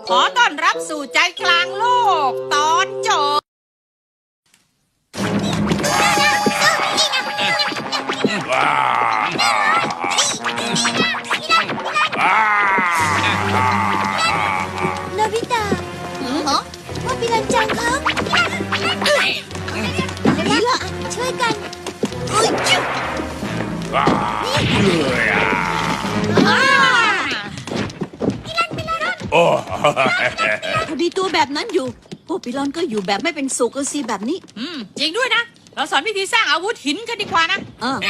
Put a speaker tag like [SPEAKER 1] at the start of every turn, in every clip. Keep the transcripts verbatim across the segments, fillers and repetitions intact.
[SPEAKER 1] ขอต้อนรับสู่ใจกลางโลกตอนจบ
[SPEAKER 2] โนบิตะว่าพี่ลันจังครับนี่ล่ะช่วยกัน
[SPEAKER 3] พอดีตัวแบบนั้นอยู่พวกปิลอนก็อยู่แบบไม่เป็นสุขก็สิแบบนี้
[SPEAKER 1] อืมจริงด้วยนะเราสอนวิธีสร้างอาวุธหินกันดีกว่านะ
[SPEAKER 3] อ่า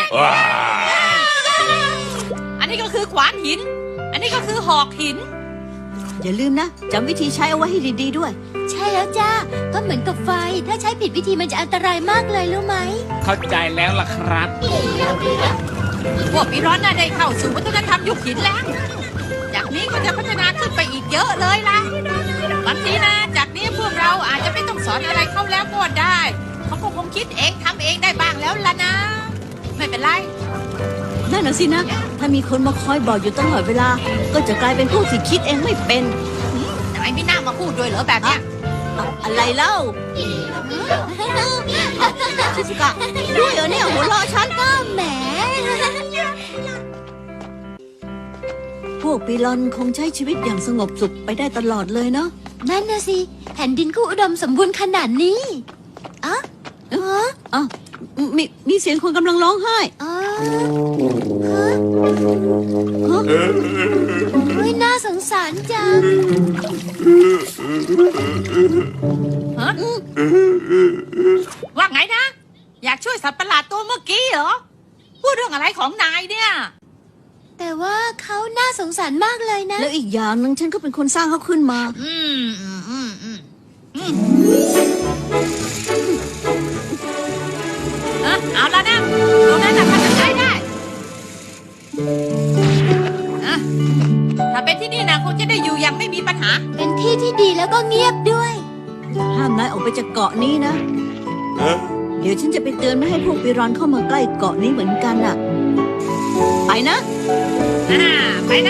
[SPEAKER 1] อันนี้ก็คือขวานหิน อันนี้ก็คือหอกหิน
[SPEAKER 3] อย่าลืมนะจำวิธีใช้เอาไว้ให้ดีๆด้วย
[SPEAKER 2] ใช่แล้วจ้าก็เหมือนกับไฟถ้าใช้ผิดวิธีมันจะอันตรายมากเลยรู้ไหม
[SPEAKER 4] เข้าใจแล้วล่ะครับ
[SPEAKER 1] พวกปีร้อนน่ะได้เข้าสู่วัฒนธรรมยุคหินแล้ว จากนี้ก็จะพัฒนาขึ้นไปอีกเยอะเลยล่ะบางทีนะจากนี้พวกเราอาจจะไม่ต้องสอนอะไรเขาแล้วก็ได้เขาก็คงคิดเองทำเองได้บ้างแล้วล่ะนะ ไม่เป็นไร
[SPEAKER 3] นั่นน่ะสินะถ้ามีคนมาคอยบอกอยู่ตลอดเวลาก็จะกลายเป็นพวกที่คิดเองไม่เป็น
[SPEAKER 1] นายไม่น่ามาพูดด้วยเหรอแบบเนี้ย
[SPEAKER 3] อะอะไรเล่าชิซุกะด้วยเหรอเนี่ยหัวเราะฉัน
[SPEAKER 2] ก็แหม
[SPEAKER 3] พวกปิลอนคงใช้ชีวิตอย่างสงบสุขไปได้ตลอดเลยเนาะ
[SPEAKER 2] นั่นนะสิแผ่นดินก็อุดมสมบูรณ์ขนาดนี้อ๋ออ๋อ
[SPEAKER 3] อ้าวมีมีเสียงคนกำลังร้องไห้
[SPEAKER 2] อ๋อเฮ้ยน่าสงสารจัง
[SPEAKER 1] ฮะว่าไงนะ อยากช่วยสัตว์ประหลาดตัวเมื่อกี้เหรอ พูดเรื่องอะไรของนายเนี่ย
[SPEAKER 2] แต่ว่าเขาน่าสงสารมากเลยนะ
[SPEAKER 3] แล้วอีกอย่างหนึงฉันก็เป็นคนสร้างเขาขึ้นมา
[SPEAKER 1] อืมอืมอืมอืมอืมเออเอาแล้วนะเอานั้นนะข้าจะใช้ได้อะถ้าเป็นที่นี่นะคงจะได้อยู่อย่างไม่มีปัญหา
[SPEAKER 2] เป็นที่ที่ดีแล้วก็เงียบด้วย
[SPEAKER 3] ห้ามนายออกไปจากเกาะนี้นะ เดี๋ยวฉันจะไปเตือนไม่ให้พวกปิรอนเข้ามาใกล้เกาะนี้เหมือนกันน่ะ ไปนะ
[SPEAKER 1] อ่าไปนะ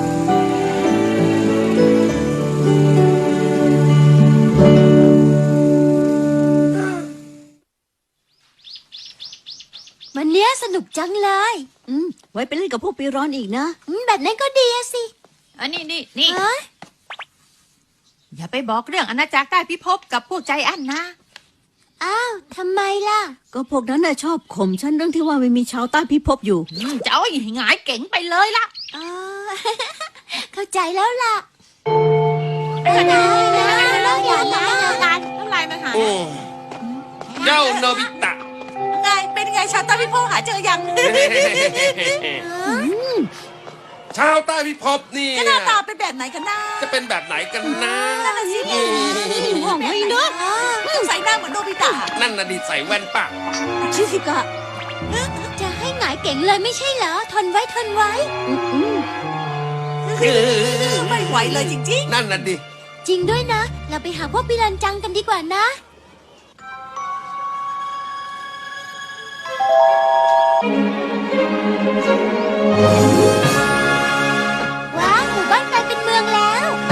[SPEAKER 2] วันเนี้ยสนุกจังเลย
[SPEAKER 3] อืม ไว้ไปเล่นกับพวกปิรอนอีกนะ
[SPEAKER 2] อืมแบบนั้นก็ดีอะสิ
[SPEAKER 1] อันนี้นี่นี่
[SPEAKER 2] เอ้ย
[SPEAKER 1] อย่าไปบอกเรื่องอาณาจักรใต้พิภพกับพวกใจอั้นนะ
[SPEAKER 2] อ้าวทำไมล่ะ
[SPEAKER 3] ก็พวกนั้นน่ะชอบข่มฉันเรื่องที่ว่าไม่มีชาวใต้พิภพอยู่
[SPEAKER 1] อืมจะเอาให้หงายเก๋งไปเลยล่ะ
[SPEAKER 2] อ๋อ เข้าใจแล้วล่ะ
[SPEAKER 1] ไม่เป็นไร
[SPEAKER 2] แล้วอย่าละ
[SPEAKER 1] กันเท่าไรมาหา
[SPEAKER 4] โอ้เจ้าโนบิตะ
[SPEAKER 1] ไงเป็นไงชาวใต้พิภพหาเจอยัง
[SPEAKER 4] ชาวใต้พิภพนี่
[SPEAKER 1] หน้าตาเป็นแบบไหนกันนะ
[SPEAKER 4] จะเป็นแบบไหนกันนะ
[SPEAKER 1] นั่นน่ะสิ
[SPEAKER 3] ห่วงไว้เนอะ
[SPEAKER 1] ใส่หน้าเหมือนโนบิตะ
[SPEAKER 4] นั่นน่ะดิใส่แว่นปะ
[SPEAKER 3] ชิซิกะ
[SPEAKER 2] จะให้หงายเก่งเลยไม่ใช่เหรอ ทนไว้ทนไว้
[SPEAKER 3] อืมอืม
[SPEAKER 1] ไม่ไหวเลยจริง
[SPEAKER 4] นั่นน่ะดิ
[SPEAKER 2] จริงด้วยนะ เราไปหาพวกปิรันจังกันดีกว่านะ ว้าวหมู่บ้านกลายเป็นเมืองแล้ว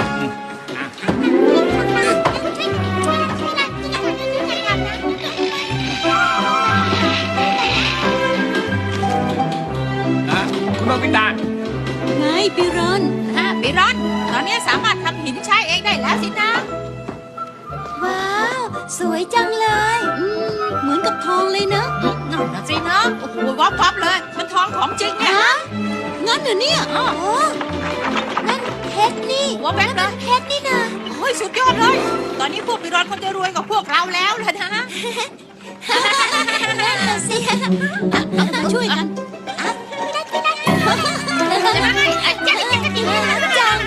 [SPEAKER 4] อ่ะคุณโนบิตะ
[SPEAKER 3] ไงปิรอน
[SPEAKER 1] ๆอ่ะปีรอนตอนนี้สามารถทำหินใช้เองได้แล้วสินะ
[SPEAKER 2] ว้าว สวยจังเลย
[SPEAKER 3] อืม เหมือนกับทองเลยเนอะ
[SPEAKER 1] นั่นนะสินะโอ้โหวับวับเลย มันทองของจริงเนี่ย
[SPEAKER 2] ฮะ
[SPEAKER 3] งั้นเหรอเนี่ย
[SPEAKER 1] อ๋อ
[SPEAKER 2] โอ้นั่นเพชรนี่
[SPEAKER 1] หัวแบงค์เลย
[SPEAKER 2] เพชรนี่นะ
[SPEAKER 1] โอ้ยสุดยอดเลย ตอนนี้พวกปีรอนคงจะรวยกว่าพวกเราแล้วล่ะนะ
[SPEAKER 2] นั่นน่ะสิ
[SPEAKER 3] ช่วยกัน
[SPEAKER 1] จะมาให้อ่ะจะจะจะจะ
[SPEAKER 2] จัง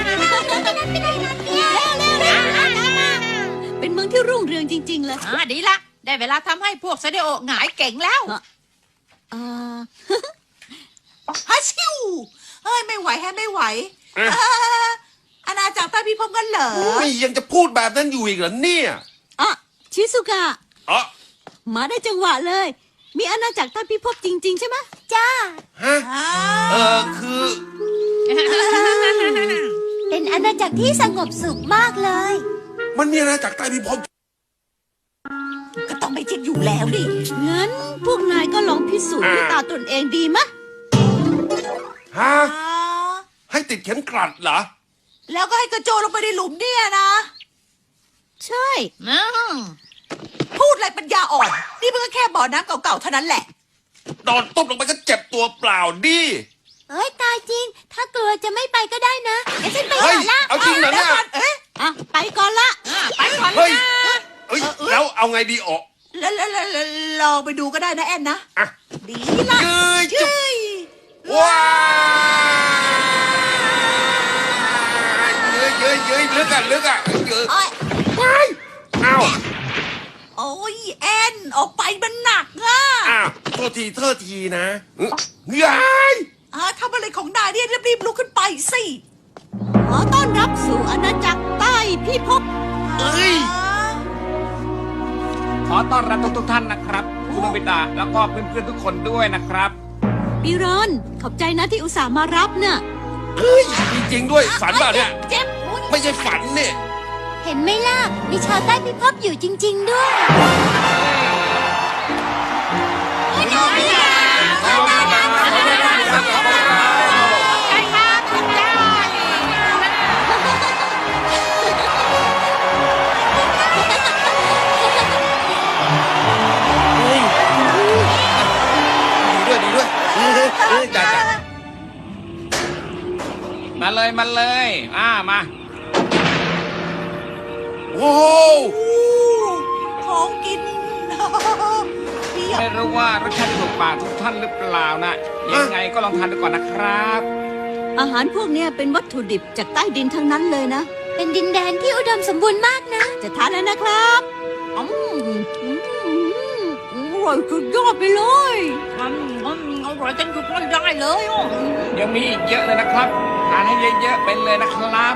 [SPEAKER 3] เป็นเมืองที่รุ่งเรืองจริง ๆ เลย
[SPEAKER 1] อ่าดีละได้เวลาทำให้พวกเสด็จโอหงายเก่งแล้ว
[SPEAKER 3] อ่า
[SPEAKER 5] ฮัชิวเฮ้ยไม่ไหวแฮะไม่ไหวเอ่ออาณาจักรใต้พิภพกันเหรอ
[SPEAKER 4] อุ้ยยังจะพูดแบบนั้นอยู่อีกเหรอเนี่ย
[SPEAKER 3] อ่ะชิซุกะ
[SPEAKER 4] อ๋อ
[SPEAKER 3] มาได้จังหวะเลย มีอาณาจักรใต้พิภพจริง ๆ ใช่ไหม
[SPEAKER 2] จ้า
[SPEAKER 4] ฮะ เออคือ
[SPEAKER 2] เป็นอาณาจักรที่สงบสุขมากเลย
[SPEAKER 4] มันมีอาณาจักรใต้พิภพ
[SPEAKER 5] ก็ต้องไม่จริงอยู่แล้วดิ
[SPEAKER 3] งั้นพวกนายก็ลองพิสูจน์ด้วยตาตนเองดีมะ
[SPEAKER 4] ฮะ
[SPEAKER 5] อ่า
[SPEAKER 4] ให้ติดเข็มกลัดเหรอ
[SPEAKER 5] แล้วก็ให้กระโจนลงไปในหลุมเนี่ยนะ
[SPEAKER 3] ใช่
[SPEAKER 1] อืม
[SPEAKER 5] พูดอะไรปัญญาอ่อน นี่มันก็แค่บ่อน้ำเก่าๆเท่านั้นแหละ
[SPEAKER 4] โดนตุ๊บลงไปก็เจ็บตัวเปล่าดิ
[SPEAKER 2] เอ้ยตายจริง ถ้ากลัวจะไม่ไปก็ได้นะเดี๋ยวฉันไป
[SPEAKER 4] เฮ้
[SPEAKER 2] ก่
[SPEAKER 4] ย
[SPEAKER 2] อนละ
[SPEAKER 4] เอาจริงเหรอเนี่ย
[SPEAKER 5] เอ๊ะ
[SPEAKER 3] อ่ะ ไปก่อนละ
[SPEAKER 1] อ่ะไปก่อนเล
[SPEAKER 4] เฮ้
[SPEAKER 1] ย
[SPEAKER 4] ย
[SPEAKER 1] นะ
[SPEAKER 4] เอ้ย แล้วเอาไงดีออก
[SPEAKER 5] แล้วแล้วแล้วแล้วลองไปดูก็ได้นะแอนนะ
[SPEAKER 4] อ่ะ
[SPEAKER 5] ดีละ
[SPEAKER 4] เย้ยจุ๊บ
[SPEAKER 5] เย้ย
[SPEAKER 4] ว้ายเย้ยเย้ยเย้ยลึกอ่ะลึกอ่ะเย้ย
[SPEAKER 5] โอ้ย
[SPEAKER 4] ว้ายอ้าว
[SPEAKER 5] โอ้ยแอนออกไปมันหนักอ่ะ
[SPEAKER 4] อ้าวโทษทีโทษทีนะยาย
[SPEAKER 5] อ่าทำอะไรของนายเนี่ยรีบๆลุกขึ้นไปสิ
[SPEAKER 3] ขอต้อนรับสู่อาณาจักรใต้พิภพ
[SPEAKER 4] เอ้ย
[SPEAKER 5] อ่า
[SPEAKER 6] ขอต้อนรับทุกทุกๆท่านนะครับ คุณโนบิตะแล้วก็เพื่อนๆทุกคนด้วยนะครับ
[SPEAKER 3] ปีรอน ขอบใจนะที่อุตส่าห์มารับน่ะ
[SPEAKER 4] เฮ้ยจริงๆด้วยฝันเปล่าเนี่ย
[SPEAKER 5] เจ็บอุ๊ย
[SPEAKER 4] ไม่ใช่ฝันเนี่ย
[SPEAKER 2] เห็นไหมล่ะ มีชาวใต้พิภพอยู่จริง ๆ ด้วย
[SPEAKER 1] ใช่ครับได้
[SPEAKER 4] เฮ้ยดีด้วยดีด้วยเฮ้ยเฮ้ยเฮ้ยจ้าจ้า
[SPEAKER 6] มาเลยมาเลยอ่ามา
[SPEAKER 4] โอ้โห
[SPEAKER 5] อู้ของกินเพียบ
[SPEAKER 6] ไม่รู้ว่ารสชาติจะถูกปากทุกท่านหรือเปล่านะยังไงก็ลองทานดูก่อนนะครับ
[SPEAKER 3] อาหารพวกเนี้ยเป็นวัตถุดิบจากใต้ดินทั้งนั้นเลยนะ
[SPEAKER 2] เป็นดินแดนที่อุดมสมบูรณ์มากนะ
[SPEAKER 3] จะทานแล้วนะครับอืมอืมอืมอร่อยสุดยอดไปเลย
[SPEAKER 1] มันมันอร่อยจนหยุดไม่ได้เลยอ่ะ
[SPEAKER 6] ยังมีอีกเยอะเลยนะครับ ทานให้เยอะๆไปเลยนะครับ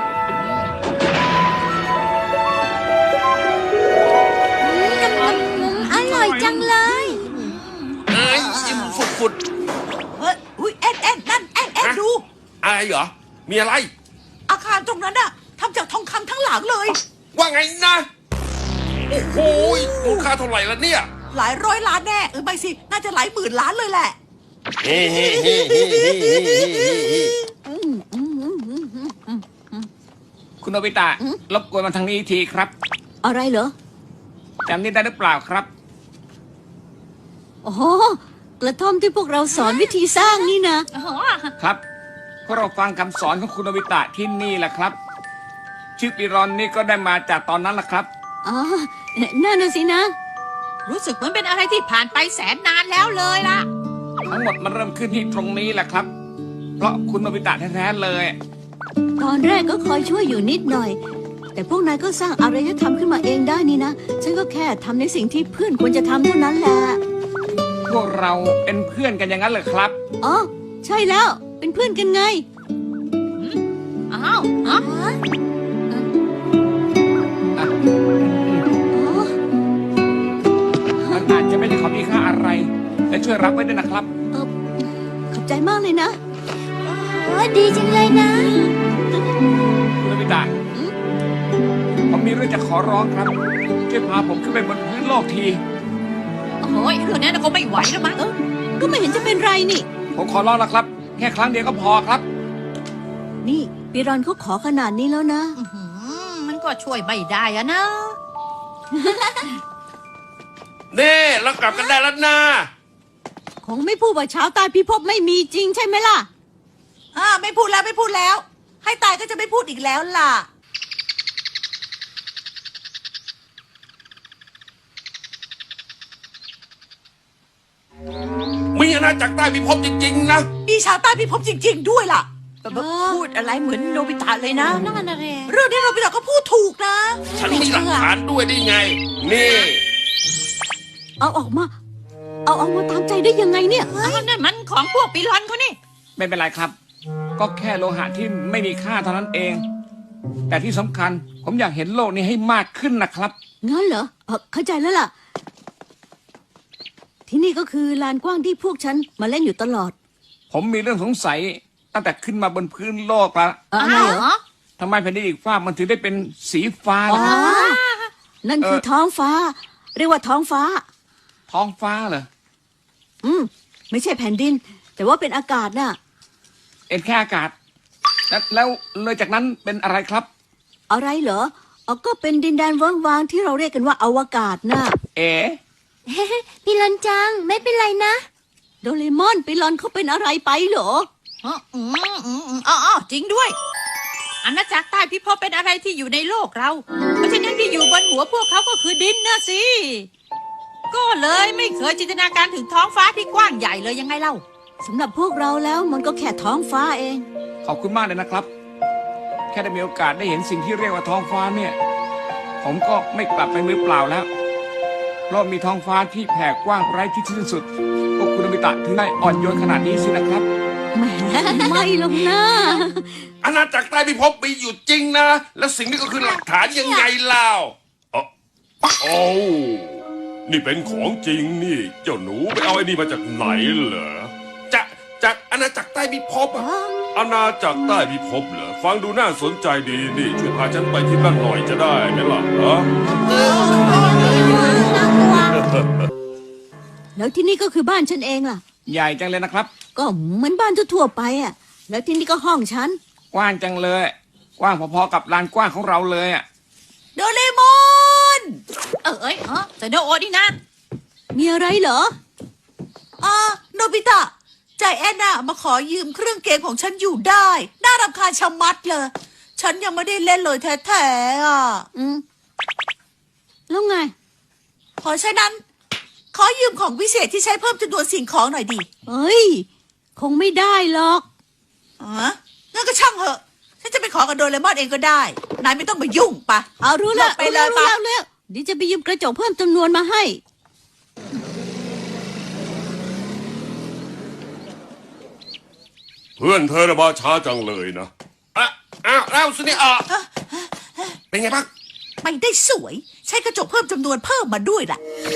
[SPEAKER 2] อืมอร่อยจังเลย
[SPEAKER 4] เอ้ยอิ่มฝุดฝุด
[SPEAKER 5] เฮ้ยอุ้ยแอนแอนนั่นแอนแอน
[SPEAKER 4] ฮะ
[SPEAKER 5] ดู
[SPEAKER 4] อะไรเหรอ มีอะไร
[SPEAKER 5] อาคารตรงนั้นอะทำจากทองคำทั้งหลังเลย
[SPEAKER 4] ว่าไงนะ โอ้โหมูลค่าเท่าไหร่ละเนี่ย
[SPEAKER 5] หลายร้อยล้านแน่เออไม่สิ น่าจะหลายหมื่นล้านเลยแหละ
[SPEAKER 4] เฮ้เฮ้เฮ้เฮ้เฮ้เฮ้เฮ้เฮ้
[SPEAKER 3] อืมอืมอืมอืมอืมอืม
[SPEAKER 6] คุณโนบิตะรบกวนมาทางนี้ทีครับ
[SPEAKER 3] อะไรเหรอ
[SPEAKER 6] จำนี่ได้หรือเปล่าครับ
[SPEAKER 3] อ๋อกระท่อมที่พวกเราสอนวิธีสร้างนี่นะ
[SPEAKER 1] อ๋อ
[SPEAKER 6] ครับพวกเราฟังคำสอนของคุณโนบิตะที่นี่แหละครับ ชื่อปิรอนนี่ก็ได้มาจากตอนนั้นแหละครับ
[SPEAKER 3] อ๋อนั่นน่ะสินะ
[SPEAKER 1] รู้สึกเหมือนเป็นอะไรที่ผ่านไปแสนนานแล้วเลยล่ะ
[SPEAKER 6] ทั้งหมดมันเริ่มขึ้นที่ตรงนี้แหละครับ เพราะคุณโนบิตะแท้ๆเลย
[SPEAKER 3] ตอนแรกก็คอยช่วยอยู่นิดหน่อย แต่พวกนายก็สร้างอารยธรรมขึ้นมาเองได้นี่นะ ฉันก็แค่ทำในสิ่งที่เพื่อนควรจะทำเท่านั้นแหละ
[SPEAKER 6] พวกเราเป็นเพื่อนกันอย่างนั้นเลยครับ
[SPEAKER 3] อ๋อ ใช่แล้ว เป็นเพื่อนกันไง
[SPEAKER 1] อ้าวฮะ
[SPEAKER 6] อ่ะ
[SPEAKER 3] อ๋อ
[SPEAKER 6] มันอาจจะไม่ได้ของมีค่าอะไร และช่วยรับไว้ด้วยนะครับ
[SPEAKER 3] เออขอบใจมากเลยนะ
[SPEAKER 2] โอ้ดีจังเลยนะ
[SPEAKER 6] คุณโนบิตะผมมีเรื่องจะขอร้องครับ ช่วยพาผมขึ้นไปบนพื้นโลกที
[SPEAKER 1] โอ้ยเรื่องนั้นคงไม่ไหวแล้วมั้ง
[SPEAKER 3] ก็ไม่เห็นจะเป็นไรนี่
[SPEAKER 6] ผมขอร้องนะครับ แค่ครั้งเดียวก็พอครับ
[SPEAKER 3] นี่ปีรอนเขาขอขนาดนี้แล้วนะ
[SPEAKER 1] อื้อหือมันก็ช่วยไม่ได้อะนะ
[SPEAKER 4] เน่เรากลับกันได้แล้วนะ
[SPEAKER 3] คงไม่พูดว่าชาวใต้พิภพไม่มีจริงใช่ไหมล่ะ
[SPEAKER 5] อ่าไม่พูดแล้วไม่พูดแล้ว ให้ตายก็จะไม่พูดอีกแล้วล่ะ
[SPEAKER 4] มีอาณาจักรใต้พิภพจริงๆนะ
[SPEAKER 5] มีชาวใต้พิภพจริง ๆ ด้วยล่ะ
[SPEAKER 3] พูดอะไรเหมือนโนบิตะเลยนะ
[SPEAKER 1] นั่นอะไร
[SPEAKER 5] เรื่องนี้เราไปต่อก็พูดถูกนะ
[SPEAKER 4] ฉันมีหลักฐานด้วยได้ไง นี่
[SPEAKER 3] เอาออกมา เอาออกมาตามใจได้ยังไงเนี่ย
[SPEAKER 1] อ้าวนั่นมันของพวกปีรอนเขานี่
[SPEAKER 6] ไม่เป็นไรครับ ก็แค่โลหะที่ไม่มีค่าเท่านั้นเอง แต่ที่สำคัญผมอยากเห็นโลกนี้ให้มากขึ้นนะครับ
[SPEAKER 3] งั้นเหรอเออเข้าใจแล้วล่ะ ที่นี่ก็คือลานกว้างที่พวกฉันมาเล่นอยู่ตลอด
[SPEAKER 6] ผมมีเรื่องสงสัยตั้งแต่ขึ้นมาบนพื้นโลกละ
[SPEAKER 3] เอ่ออะไรเหรอ
[SPEAKER 6] ผทำไมแผ่นดินอีกฟ้ากมันถึงได้เป็นสีฟ้า
[SPEAKER 3] อ๋
[SPEAKER 6] ล่ะ
[SPEAKER 3] อ นั่นคือท้องฟ้า เรียกว่าท้องฟ้า
[SPEAKER 6] ท้องฟ้าเหรอ
[SPEAKER 3] อืม ไม่ใช่แผ่นดิน แต่ว่าเป็นอากาศน่ะ
[SPEAKER 6] เอ็นแค่อากาศ แล้วแล้วเลยจากนั้นเป็นอะไรครับ
[SPEAKER 3] อะไรเหรอเอาก็เป็นดินแดนเวิ้งว้างที่เราเรียกกันว่าอวกาศน่ะ
[SPEAKER 6] เอ๋
[SPEAKER 2] พี่รอนจังไม่เป็นไรนะ
[SPEAKER 3] โดเรมอนไปลอนเขาเป็นอะไรไปเหรอ
[SPEAKER 1] อ๋ออืมอืมอืมอ๋ออ๋อจริงด้วยอาณาจักรใต้พิภพเป็นอะไรที่อยู่ในโลกเรา เพราะฉะนั้นที่อยู่บนหัวพวกเขาก็คือดินนะสิ ก็เลยไม่เคยจินตนาการถึงท้องฟ้าที่กว้างใหญ่เลยยังไงเล่า
[SPEAKER 3] สำหรับพวกเราแล้วมันก็แค่ท้องฟ้าเอง
[SPEAKER 6] ขอบคุณมากเลยนะครับ แค่ได้มีโอกาสได้เห็นสิ่งที่เรียกว่าท้องฟ้าเนี่ย ผมก็ไม่กลับไปมือเปล่าแล้ว เพราะมีท้องฟ้าที่แผ่กว้างไร้ที่สิ้นสุด พวกคุณอมิตะถึงได้อ่อนโยนขนาดนี้สินะครับ
[SPEAKER 3] แหมไม่หรอกนะ
[SPEAKER 4] อาณาจักรใต้พิภพมีอยู่จริงนะ และสิ่งนี้ก็คือหลักฐานยังไงเล่าเอ้าโอ้นี่เป็นของจริงนี่ เจ้าหนูไปเอาไอ้นี่มาจากไหนเหรอจะจากอาณาจักรใต้พิภพอะอาณาจักรใต้พิภพเหรอฟังดูน่าสนใจดีนี่ช่วยพาฉันไปที่นั่นหน่อยจะได้ไหมล่ะฮะ
[SPEAKER 3] แล้วที่นี่ก็คือบ้านฉันเองล่ะ
[SPEAKER 6] ใหญ่จังเลยนะครับ
[SPEAKER 3] ก็เหมือนบ้านทั่วๆไปอ่ะ แล้วที่นี่ก็ห้องฉัน
[SPEAKER 6] กว้างจังเลย กว้างพอๆกับลานกว้างของเราเลยอ่ะ
[SPEAKER 5] โดเรมอน
[SPEAKER 1] เออเอ้ยเออแต่โนโอนี่นะ
[SPEAKER 3] มีอะไรเหรอ
[SPEAKER 5] อ่าโนบิตะใจแอนน่ะมาขอยืมเครื่องเกมของฉันอยู่ได้ น่ารำคาญชะมัดเลย ฉันยังไม่ได้เล่นเลยแท้ๆอ่ะ
[SPEAKER 3] อืม แล้วไง
[SPEAKER 5] เพราะฉะนั้น ขอยืมของวิเศษที่ใช้เพิ่มจำนวนสิ่งของหน่อยดิ
[SPEAKER 3] เฮ้ย คงไม่ได้หรอก
[SPEAKER 5] อ๋องั้นก็ช่างเหอะ ฉันจะไปขอกับโดเรมอนเองก็ได้ นายไม่ต้องมายุ่งปะ
[SPEAKER 3] เอารู้แล้ว
[SPEAKER 5] ไปเลย
[SPEAKER 3] รู้
[SPEAKER 5] ปะ
[SPEAKER 3] แล้วรู้แล้วเดี๋ยวจะไปยืมกระจกเพิ่มจำนวนมาให้
[SPEAKER 4] เพื่อนเธอน่ะมาช้าจังเลยนะอ่ะอ้าวแล้วสุนี่อ่ะเป็นไงบ้าง
[SPEAKER 5] ไม่ได้สวย ใช้กระจกเพิ่มจำนวนเพิ่มมาด้วยล่ะ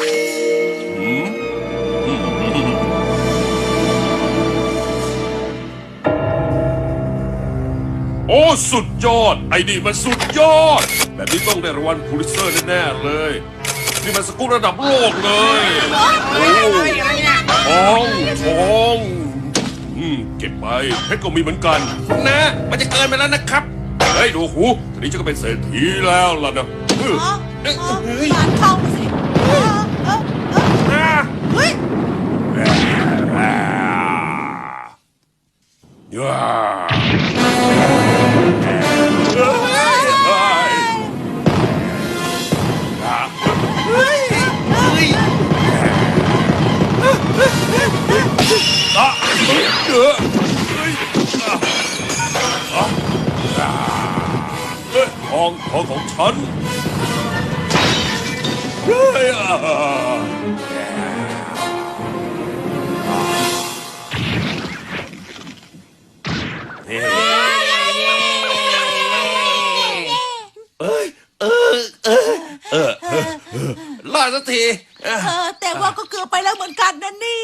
[SPEAKER 4] โอ้สุดยอด ไอ้นี่มันสุดยอด แบบนี้ต้องได้รางวัลพูลิเซอร์แน่ๆเลย นี่มันสกู๊ประดับโลกเลยโอ้ทองทองอืมเก็บไปเพชรก็มีเหมือนกัน นะ มันจะเกินไปแล้วนะครับ เฮ้ยดูหูทีนี้ฉันก็เป็นเศรษฐีแล้วล่ะนะเออ
[SPEAKER 5] อ๋อ
[SPEAKER 4] เอ้ย
[SPEAKER 5] อ๋อ
[SPEAKER 4] เฮ้ย
[SPEAKER 5] ร้านทองสิเออเออเออ
[SPEAKER 4] อ่า
[SPEAKER 5] เฮ้ย
[SPEAKER 4] อ่าย่าเฮ้ยเฮ้ยอ่าเฮ้ยเฮ้ยอ่ะเฮ้ยเฮ้ยเฮ้ยอ่ะอ่ะอ่าเฮ้ยทองทองของฉันเฮ้ยอ่ะ เอ้ยเออเออเออเออรอดสักทีเออ
[SPEAKER 5] เออแต่ว่าก็เกือบไปแล้วเหมือนกันนะเนี่ย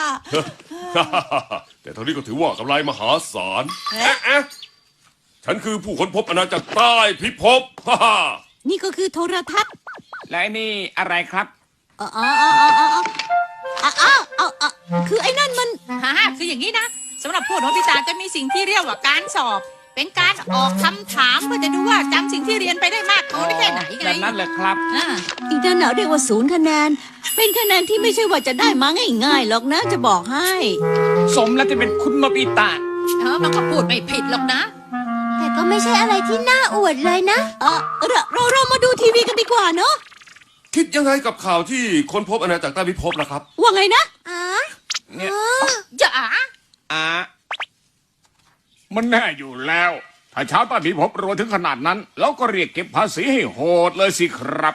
[SPEAKER 4] แต่เท่านี้ก็ถือว่ากำไรมหาศาลเอ๊ะเอ๊ะฉันคือผู้ค้นพบอาณาจักรใต้พิภพ ฮ่าฮ่า
[SPEAKER 3] นี่ก็คือโทรทัศน์
[SPEAKER 6] และไอ้นี่อะไรครับ
[SPEAKER 3] อ๋ออ๋ออ๋ออ๋ออ๋ออ๋ออ๋ออ๋อคือไอ้นั่นมัน
[SPEAKER 1] ฮ่าคืออย่างนี้นะสำหรับพวกโนบิตะจะมีสิ่งที่เรียกว่าการสอบ เป็นการออกคำถามเพื่อจะดูว่าจำสิ่งที่เรียนไปได้มากน้อยแค่ไหนไง
[SPEAKER 6] แบบนั้นเลยครับ
[SPEAKER 1] อ่า
[SPEAKER 3] อีกนั่นเนาเรียกว่าศูนย์คะแนน เป็นคะแนนที่ไม่ใช่ว่าจะได้มาง่ายๆหรอกนะจะบอกให้
[SPEAKER 6] สมแล้วจะเป็นคุณโนบิตะ
[SPEAKER 1] เออมันก็พูดไม่ผิดหรอกนะ
[SPEAKER 2] แต่ก็ไม่ใช่อะไรที่น่าอวดเลยนะ
[SPEAKER 3] เออเราเราเรามาดูทีวีกันดีกว่าเนาะ
[SPEAKER 4] คิดยังไงกับข่าวที่ค้นพบอาณาจักรใต้พิภพล่ะครับ
[SPEAKER 3] ว่าไงนะ
[SPEAKER 2] อ๋อ
[SPEAKER 6] เนี่ย
[SPEAKER 1] อย่า
[SPEAKER 6] อ่ะมันแน่อยู่แล้ว ถ้าชาวใต้พิภพรวยถึงขนาดนั้น เราก็เรียกเก็บภาษีให้โหดเลยสิครับ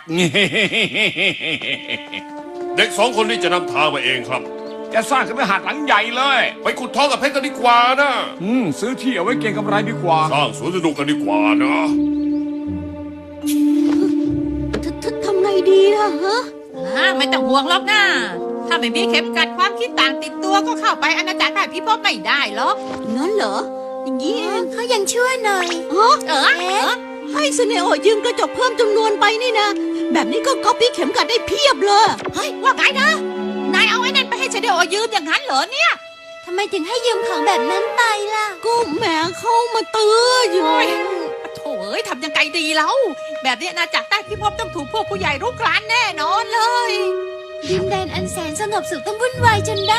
[SPEAKER 4] เด็กสองคนนี้จะนำทางมาเองครับ
[SPEAKER 6] จะสร้างคฤหาสน์หลังใหญ่เลย
[SPEAKER 4] ไปขุดทองกับเพชรกันดีกว่านะ
[SPEAKER 6] อืม ซื้อที่เอาไว้เก็งกำไรดีกว่า
[SPEAKER 4] สร้างสวนสนุกกันดีกว่านะ
[SPEAKER 3] ทททำไงดีล่ะฮะ
[SPEAKER 1] อ่าไม่ต้องห่วงหรอกนะถ้าไม่มีเข็มกัดความคิดต่างติดตัวก็เข้าไปอาณาจักรใต้พิภพไม่ได้หรอก
[SPEAKER 3] งั้นเหรออย่างนี้เอง
[SPEAKER 2] เขายังชั่วหน่อย
[SPEAKER 3] ฮะ
[SPEAKER 1] เออเออ
[SPEAKER 3] ให้สเนโอยืมกระจกเพิ่มจำนวนไปนี่นะ แบบนี้ก็ก๊อปปี้เข็มกัดได้เพียบเลย
[SPEAKER 1] เฮ้ยว่าไงนะนายเอาไอ้นั่นไปให้เชเดโอยืมอย่างนั้นเหรอเนี่ย
[SPEAKER 2] ทำไมถึงให้ยืมของแบบนั้นไปล่ะ
[SPEAKER 3] ก็แหมเข้ามาเตือนอยู่
[SPEAKER 1] โถ่เอ้ยทำยังไงดีแล้วแบบนี้นะจากใต้พิภพต้องถูกพวกผู้ใหญ่รุกรานแน่นอนเลย
[SPEAKER 2] ดินแดนอันแสนสงบสุขต้องวุ่นวายจนได้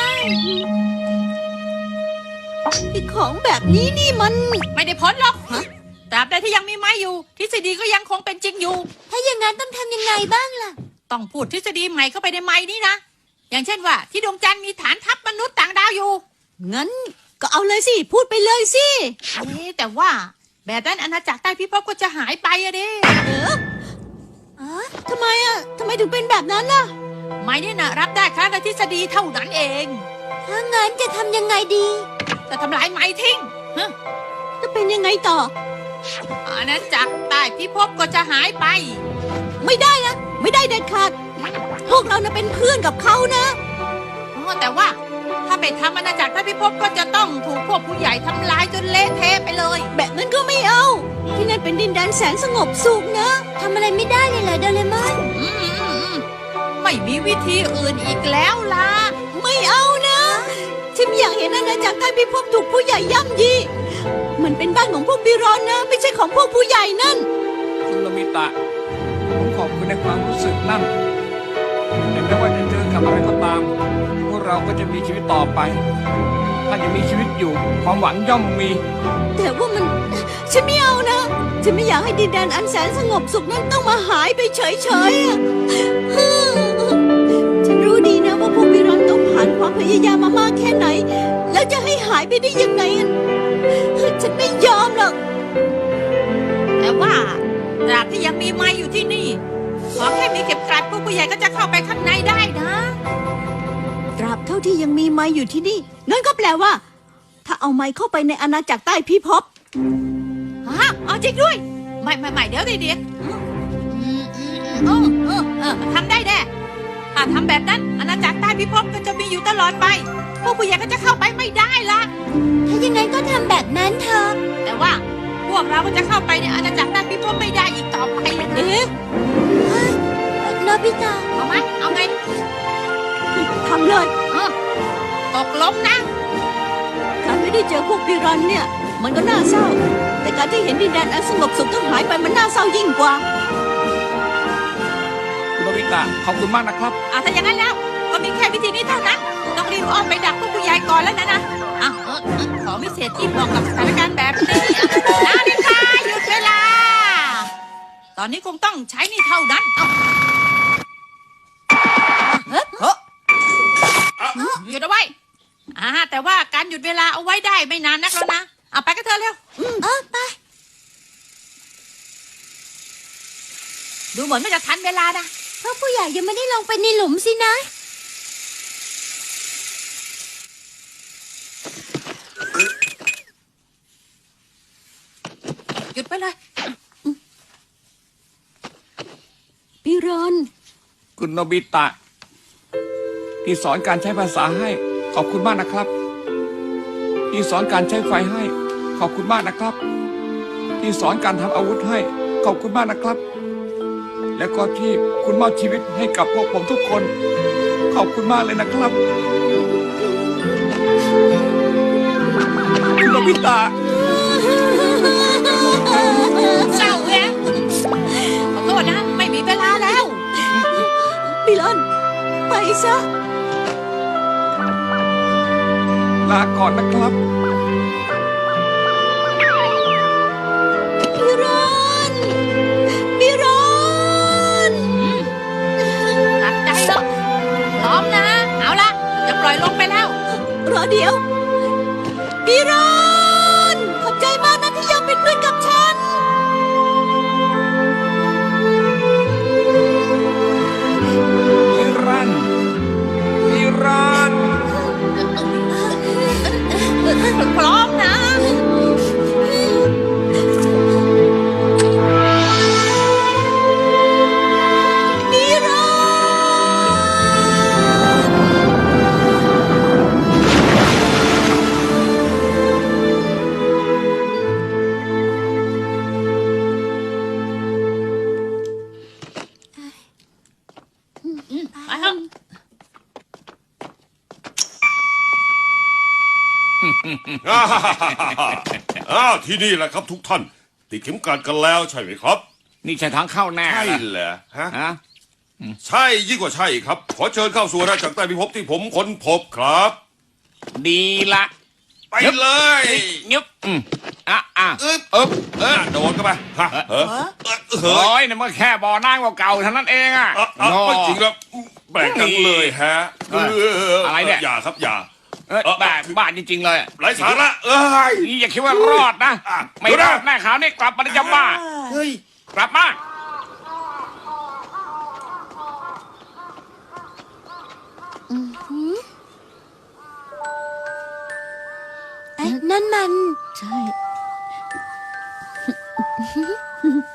[SPEAKER 3] ไอ้ของแบบนี้นี่มัน
[SPEAKER 1] ไม่ได้พ้นหรอกตราบใดที่ยังมีไม้อยู่ ทฤษฎีก็ยังคงเป็นจริงอยู่
[SPEAKER 2] ถ้าอย่างนั้นต้องทำยังไงบ้างล่ะ
[SPEAKER 1] ต้องพูดทฤษฎีใหม่เข้าไปในไม้นี้นะ อย่างเช่นว่าที่ดวงจันทร์มีฐานทัพมนุษย์ต่างดาวอยู่
[SPEAKER 3] งั้นก็เอาเลยสิ พูดไปเลยสิ
[SPEAKER 1] เอ๊ะแต่ว่าแบบนั้นอาณาจักรใต้พิภพก็จะหายไปอะเด้
[SPEAKER 2] อ๋อ
[SPEAKER 3] ทำไมอ่ะทำไมถึงเป็นแบบนั้นล่ะ
[SPEAKER 1] ไม้เนี่ยนะรับได้ครั้งละทฤษฎีเท่านั้นเอง
[SPEAKER 2] ถ้างั้นจะทำยังไงดี
[SPEAKER 1] จะทำลายไม้ทิ้งฮะ
[SPEAKER 3] จะเป็นยังไงต่อ
[SPEAKER 1] อาณาจักรใต้พิภพก็จะหายไป
[SPEAKER 3] ไม่ได้นะ ไม่ได้เด็ดขาด พวกเรานะเป็นเพื่อนกับเขานะ
[SPEAKER 1] อ๋อแต่ว่าถ้าไปทำอาณาจักรใต้พิภพก็จะต้องถูกพวกผู้ใหญ่ทำลายจนเละเทะไปเลย
[SPEAKER 3] แบบนั้นก็ไม่เอา ที่นั่นเป็นดินแดนแสนสงบสุขนะ
[SPEAKER 2] ทำอะไรไม่ได้เลยเหรอโดเรมอน
[SPEAKER 1] อืมอืมอืมไม่มีวิธีอื่นอีกแล้วล่ะ
[SPEAKER 3] ไม่เอานะฉันไม่อยากเห็นอาณาจักรใต้พิภพถูกผู้ใหญ่ย่ำยีมันเป็นบ้านของพวกบิรอนนะ ไม่ใช่ของพวกผู้ใหญ่นั่น
[SPEAKER 6] คุณโนบิตะ ผมขอบคุณในความรู้สึกนั่นแต่ไม่ว่าจะเจอกับอะไรก็ตาม พวกเราก็จะมีชีวิตต่อไป ถ้ายังมีชีวิตอยู่ ความหวังย่อมมี
[SPEAKER 3] แต่ว่ามัน ฉันไม่เอานะ ฉันไม่อยากให้ดินแดนอันแสนสงบสุขนั้นต้องมาหายไปเฉยๆอะฉันรู้ดีนะว่าพวกบิรอนต้องผ่านความพยายามมามากแค่ไหน แล้วจะให้หายไปได้ยังไงอะฉันไม่ยอมหรอก
[SPEAKER 1] แต่ว่าตราบที่ยังมีไม้อยู่ที่นี่ ขอแค่มีเข็มกลัดพวกผู้ใหญ่ก็จะเข้าไปข้างในได้นะ
[SPEAKER 3] ตราบเท่าที่ยังมีไม้อยู่ที่นี่นั่นก็แปลว่า ถ้าเอาไม้เข้าไปในอาณาจักรใต้พิภพ
[SPEAKER 1] ฮะเอาจริงด้วย ไม่ไม่ไม่เดี๋ยวดิเดี๋ยวอืมอืมอืมเออเออเออทำได้แน่ถ้าทำแบบนั้นอาณาจักรใต้พิภพก็จะมีอยู่ตลอดไป พวกผู้ใหญ่ก็จะเข้าไปไม่ได้ละ
[SPEAKER 2] ถ้าอย่างนั้นก็ทำแบบนั้นเถอะ
[SPEAKER 1] แต่ว่าพวกเราก็จะเข้าไปในอาณาจักรใต้พิภพไม่ได้อีกต่อไปเลยนะ
[SPEAKER 3] เอ๊ะ
[SPEAKER 2] โนบิตะ
[SPEAKER 1] เอาไหมเอาไง
[SPEAKER 3] ทำเลย
[SPEAKER 1] เออตกลงนะ
[SPEAKER 3] การไม่ได้เจอพวกบิรอนเนี่ย มันก็น่าเศร้า แต่การที่เห็นดินแดนอันสงบสุขต้องหายไปมันน่าเศร้ายิ่งกว่า
[SPEAKER 6] คุณโนบิตะ ขอบคุณมากนะครับ
[SPEAKER 1] อ่ะถ้าอย่างนั้นแล้ว ก็มีแค่วิธีนี้เท่านั้น ต้องรีบอ้อมไปดักพวกผู้ใหญ่ก่อนแล้วนะนะอ่ะเออเออขอวิเศษที่เหมาะกับสถานการณ์แบบนี้อ่ะนาฬิกาหยุดเวลา ตอนนี้คงต้องใช้นี่เท่านั้นเอาเฮ้ยเฮ้ยหยุดเอาไว้อ่าแต่ว่าการหยุดเวลาเอาไว้ได้ไม่นานนักแล้วนะเอาไปกันเถอะเร็ว
[SPEAKER 2] เออไป
[SPEAKER 1] ดูเหมือนไม่จะทันเวลานะ
[SPEAKER 2] เพราะผู้ใหญ่ยังไม่ได้ลงไปในหลุมสินะ
[SPEAKER 1] หยุดไปเลย
[SPEAKER 3] บิรอน
[SPEAKER 6] คุณโนบิตะ ที่สอนการใช้ภาษาให้ ขอบคุณมากนะครับ ที่สอนการใช้ไฟให้ ขอบคุณมากนะครับ ที่สอนการทำอาวุธให้ ขอบคุณมากนะครับ และก็ที่คุณมอบชีวิตให้กับพวกผมทุกคน ขอบคุณมากเลยนะครับคุณโนบิตะ
[SPEAKER 1] เศร้าแฮะขอโทษนะ ไม่มีเวลาแล้ว
[SPEAKER 3] บิรอน ไปซะ
[SPEAKER 6] ลาก่อนนะครับ
[SPEAKER 3] บิรอน บิรอน
[SPEAKER 1] ตัดใจเถอะพร้อมนะ เอาละจะปล่อยลงไปแล้ว
[SPEAKER 3] รอเดี๋ยว บิรอน ขอบใจมากนะที่ยอมเป็นเพื่อนกับฉัน
[SPEAKER 6] นิรันดร์นิรันดร์
[SPEAKER 4] อ้าวที่นี่แหละครับทุกท่าน ติดเข็มกลัดกันแล้วใช่ไหมครับ
[SPEAKER 6] นี่ใช่ทางเข้าแน่
[SPEAKER 4] ใช่
[SPEAKER 6] นะ
[SPEAKER 4] เหรอฮะ
[SPEAKER 6] ฮะ
[SPEAKER 4] ใช่ยิ่งกว่าใช่ครับ ขอเชิญเข้าสู่อาณาจักรใต้พิภพที่ผมค้นพบครับ
[SPEAKER 6] ดีละ
[SPEAKER 4] ไปเลย
[SPEAKER 6] ยึบอืมอ่ะอ่ะ
[SPEAKER 4] อึ๊บ
[SPEAKER 6] อึ๊บเออ
[SPEAKER 4] โดนกันไปฮะเออเออเฮ้
[SPEAKER 6] โอ้
[SPEAKER 4] ย
[SPEAKER 6] ยนี่มันแค่บ่อน้ำเก่าๆเท่านั้นเองอ่ะ
[SPEAKER 4] อ่ะอ่ะไม่จริงครับแปลกจังเลยฮะ
[SPEAKER 6] เอออะไรเนี่ย
[SPEAKER 4] อย่าครับอย่า
[SPEAKER 6] เออแบบบ้าจริง ๆ เลย
[SPEAKER 4] ไร้สาระเอ้ย
[SPEAKER 6] นี่อย่าคิดว่ารอดนะ
[SPEAKER 4] อ่ะ
[SPEAKER 6] ไม่
[SPEAKER 4] เดี๋ยว
[SPEAKER 6] ร
[SPEAKER 4] นะ
[SPEAKER 6] อดแน่ขาวนี่กลับมาจะบ้า
[SPEAKER 4] เฮ้ย
[SPEAKER 6] กลับมา
[SPEAKER 2] อือหือเอ๊ะนั่นมัน
[SPEAKER 3] ใช่